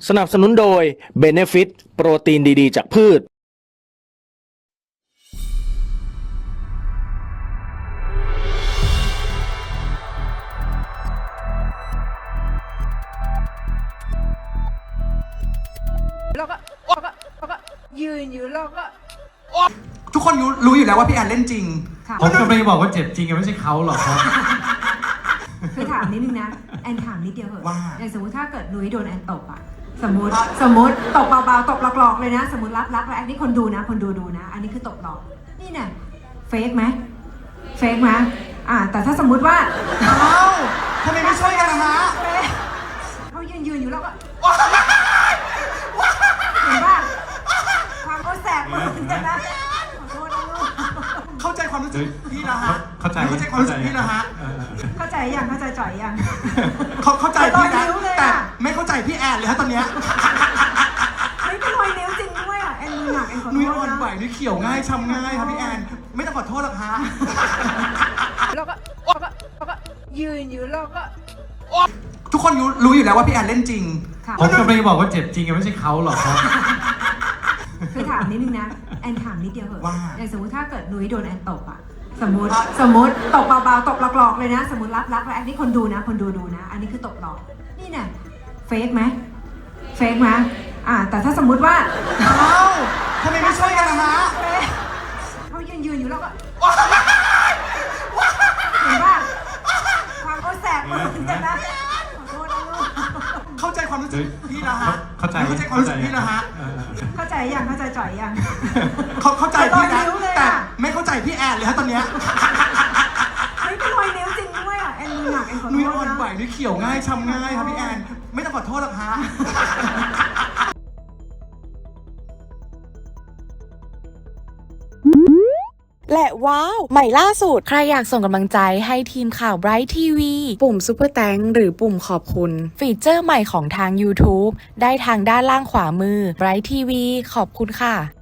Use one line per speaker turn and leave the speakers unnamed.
สนับสนุนโดย Benefit โปรตีนดีๆจากพืช
แล้วก็ยืนอยู่แล้วก็
ทุกคนรู้อยู่แล้วว่าพี่แอนเล่นจริง
ค่ะ
ผมกำลังจะบอกว่าเจ็บจริงไม่ใช่เขาหรอกครับ
คือถามนิดนึงนะแอนถามนิดเดียวเหอะ
ว่า
อย่างสมมติถ้าเกิดนุ้ยโดนแอนตบอะสมมติตบเบาๆตบหลอกๆเลยนะ สมมติรักแล้วอันนี้คนดูนะคนดูนะ อันนี้คือตบหลอกนี่เนี่ยเฟกไหมแต่ถ้าสมมุติว่า
อ้าวทำไมไม่ช่วยกันนะฮะ
เขายืนอยู่แล้วก็เห็นป่ะความเขาแสบมือเหมือนกันนะขอโทษนะลูก
เข้าใจความรู้สึกพี่นะฮะ
เข้าใจ
ความรู้สึกพี่นะฮะ
เข้าใจยังเข้าใจจ่อยยัง
เข้าใจพี่นะ
รอยนิ้วเลยอะ
แต่ไม่เข้าใจพี่แอนเลยฮะตอนเนี้ย
ไม่เป็นรอยนิ้วจริงด้วยอ่ะแอนมือหนักแอนขอโท
นุ้ย
ษ
อ่อน
นะ
ไหวนุ้ยเขียวง่ายช้ำง่ายครับพี่แอนไม่ต้องขอโทษหรอกฮะ
แล้วก็ยืนอยู่แล้วก็
ทุกคนรู้อยู่แล้วว่าพี่แอนเล่นจริง
ค่ะ
ผมกำลังจะบอกว่าเจ็บจริงไม่ใช่เขาหรอกครับ
คือถามนิดนึงนะแอนถามนิดเดียวเหอะ
ว่า
อย่างสมมติถ้าเกิดนุ้ยโดนแอนตบอะสมมติตบเบาๆตบหลอกๆเลยนะ สมมติรักแล้วอันนี้คนดูนะ อันนี้คือตบหลอกนี่เนี่ยเฟกไหมแต่ถ้าสมมุติว่า
อ้าวทำไมไม่ช่วยกันนะฮะ
เขายืนอยู่แล้วก็เห็นป่ะความเขาแสบมือเหมือนกันนะขอโทษนะลูก
เข้าใจความรู้สึกพี่นะฮะ
เข้าใจ
ความรู้สึกพี่นะฮะ
เข้าใจยังเข้าใจจ่อยยัง
เข้าใจพี่นะ
รอยนิ้วเลยอะ
แต่ไม่เข้าใจพี่แอนเลยฮะตอนเนี้ย
ไม่เป็นรอยนิ้วจริงด้วยอ่ะแอนมือหนักแอนขอโท
นุ้ย
ษ
อ่อนไหว
นะ
นุ้ยเขียวง่ายช้ำง่ายครับพี่แอนไม่ต้องขอโทษหรอกฮะ
และว้าว ใหม่ล่าสุด ใครอยากส่งกำลังใจให้ทีมข่าว Bright TV ปุ่ม Super Thanks หรือปุ่มขอบคุณ ฟีเจอร์ใหม่ของทาง YouTube ได้ทางด้านล่างขวามือ Bright TV ขอบคุณค่ะ